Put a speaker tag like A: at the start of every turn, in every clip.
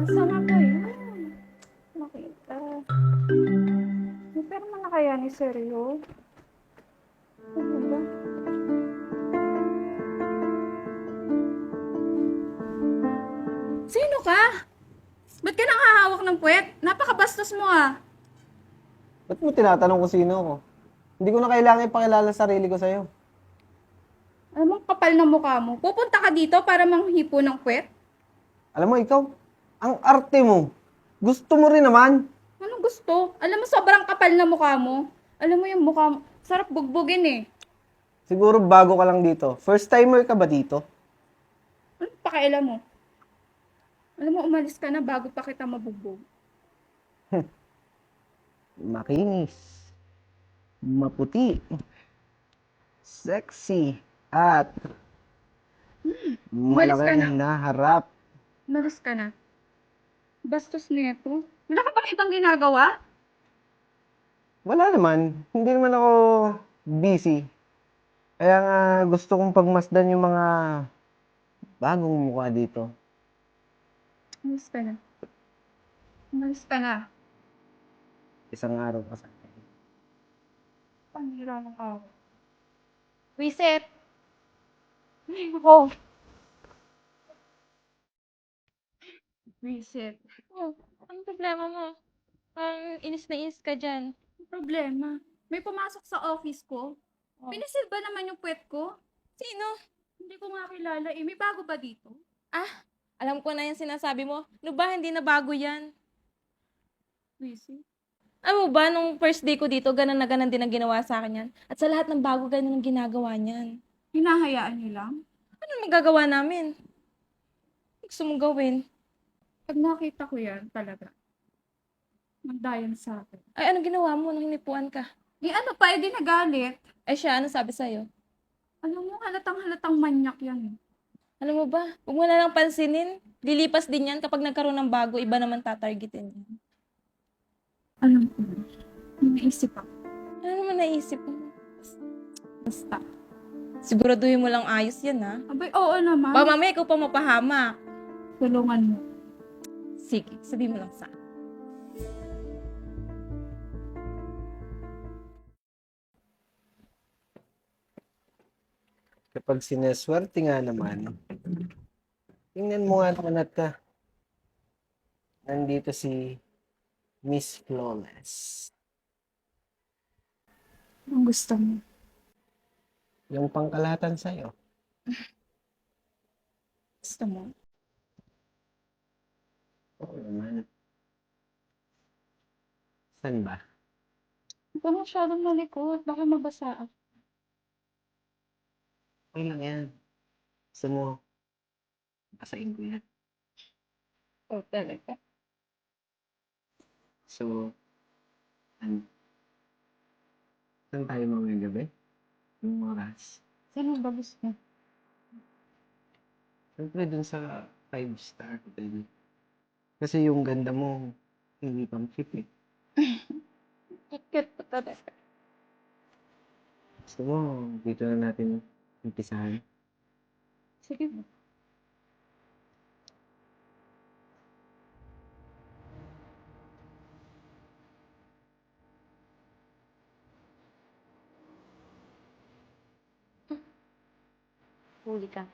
A: Asa na ba yun? Nakita. May perma na kaya ni Seryo? Ano ba? Sino ka? Ba't ka nakahawak ng puwet? Napakabastos mo ah.
B: Ba't mo tinatanong kung sino ako? Hindi ko na kailangan ipakilala sa sarili ko sa'yo.
A: Alam mo, kapal na mukha mo. Pupunta ka dito para manghipo ng puwet?
B: Alam mo, ikaw, ang arte mo. Gusto mo rin naman.
A: Anong gusto? Alam mo, sobrang kapal na mukha mo. Alam mo yung mukha mo, sarap bugbugin eh.
B: Siguro bago ka lang dito. First timer ka ba dito?
A: Anong pakialam mo? Alam mo, umalis ka na bago pa kita mabugbog.
B: Makinis. Maputi. Sexy. At
A: Umalis ka na.
B: malaki na harap.
A: Umalis ka na. Bastos nito. Wala ka ba kitang ginagawa?
B: Wala naman. Hindi naman ako busy. Kaya nga gusto kong pagmasdan yung mga bagong mukha dito.
A: Umalis ka na. Umalis ka na.
B: Isang araw pa sa akin.
A: Panira ng ako. Reset! Ay, ako. Reset.
C: Oh, anong problema mo? Parang inis na inis ka dyan.
A: Ang problema. May pumasok sa office ko.
C: Oh.
A: Pinisil ba naman yung puwet ko?
C: Sino?
A: Hindi ko nga kilala eh. May bago ba dito?
C: Alam ko na yung sinasabi mo. Ano ba, hindi na bago yan.
A: Reset.
C: Alam mo ba, nung first day ko dito, ganun na ganun din ang ginawa sa akin yan. At sa lahat ng bago, ganun ang ginagawa niyan.
A: Hinahayaan niyo lang?
C: Ano magagawa namin? Gusto mong gawin?
A: Pag nakita ko yan, talaga. Magdayan sa akin.
C: Ay, anong ginawa mo nung hinipuan ka?
A: Eh ano pa, eh di nagalit.
C: Ay siya, ano sabi sa'yo?
A: Alam mo, halatang manyak yan eh.
C: Alam mo ba, huwag mo na lang pansinin. Lilipas din yan kapag nagkaroon ng bago, iba naman tatargetin yan.
A: Alam ko. May naisip ako.
C: Ano naman naisip mo?
A: Basta.
C: Siguraduhin mo lang ayos yan, ha?
A: Abay, oo naman.
C: Baka mamaya ikaw pa mapahamak.
A: Tulungan mo.
C: Sige, sabihin mo lang sa akin.
B: Kapag sineswerte nga naman, tingnan mo nga naman at ka. Nandito si Miss Flawless.
A: Ang gusto mo.
B: Yung pangkalahatan sa'yo.
A: Gusto mo.
B: Oo naman. Saan ba?
A: Huwag ka masyadong malikot. Baka mabasa ako.
B: Okay lang yan. Gusto mo, basahin ko yan.
A: Oh, talaga.
B: So, saan tayo mamayang gabi? Yung oras?
A: Saan mo ba gusto?
B: Siyempre dun sa 5-star hotel. Kasi yung ganda mo, hindi pang cheap eh.
A: Kikit pa talaga.
B: Gusto mo, dito na natin umpisahan.
A: Sige mo.
C: Huli ka.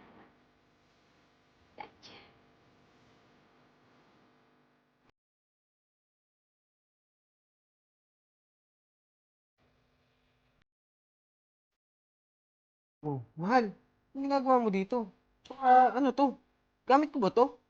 B: Oh, mahal. Anong ginagawa mo dito? Tsaka, ano to? Gamit ko ba to?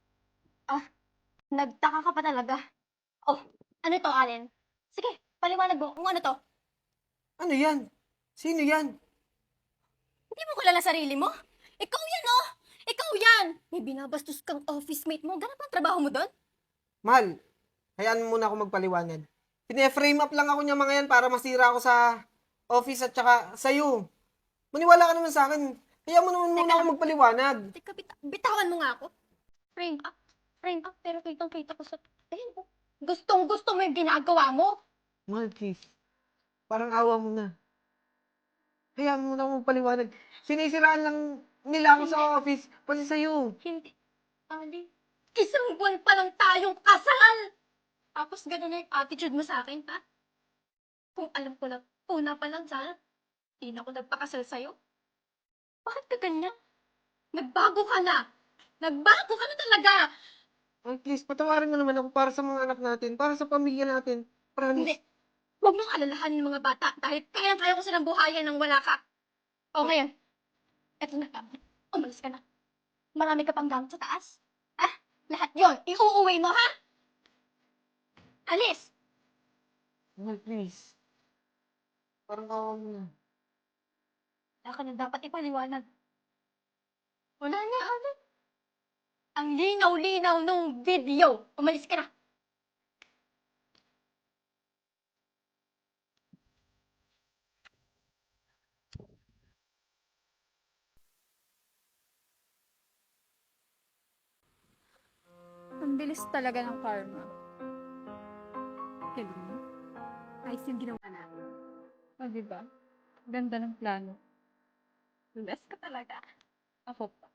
D: Nagtaka ka pa talaga. Oh, ano to, Allen? Sige, paliwanag mo kung ano to.
B: Ano yan? Sino yan?
D: Hindi mo kilala sarili mo? Ikaw yan, oh! Ikaw yan! May binabastos kang office mate mo. Ganap ang trabaho mo doon?
B: Mahal, hayaan mo muna ako magpaliwanag. Pine-frame up lang ako niya mga yan para masira ako sa office at saka sa'yo. Maniwala ka naman sa akin. Hayaan mo naman muna ako magpaliwanag.
D: Teka, bitawan mo nga ako. Friend, pero kitang-kita ko sa... Ayun, oh. Gustong-gusto mo yung ginagawa mo.
B: Mahal, please. Parang awa mo na. Hayaan mo na ako magpaliwanag. Sinisiraan lang nila ako sa office. Pati sa'yo.
D: Hindi. Ali, Isang buwan pa lang tayong kasal! Tapos gano'n na yung attitude mo sa akin, ha? Kung alam ko lang, una pa lang sana, hindi na ako nagpakasal sa'yo. Bakit ka ganyan? Nagbago ka na! Nagbago ka na talaga!
B: Ay, please, patawarin mo naman ako para sa mga anak natin, para sa pamilya natin.
D: Hindi.
B: Promise.
D: Huwag mong alalahanin yung mga bata dahil kaya ko silang buhayan nang wala ka. O ngayon, eto na ka. Umalis ka na. Marami ka pang gamit sa taas. Ha? Lahat yon iuuwi mo, ha? Alis!
B: Mahal, please. Parang kawawa mo na.
D: Wala ka na dapat ipaliwanag. Wala na, ano? Ang linaw-linaw nung video. Umalis ka na.
A: Ang bilis talaga ng karma.
D: Galing mo. Ayos yung ginawa natin.
A: O, diba? Ganda ng plano.
D: The best ka talaga.
A: Ako pa.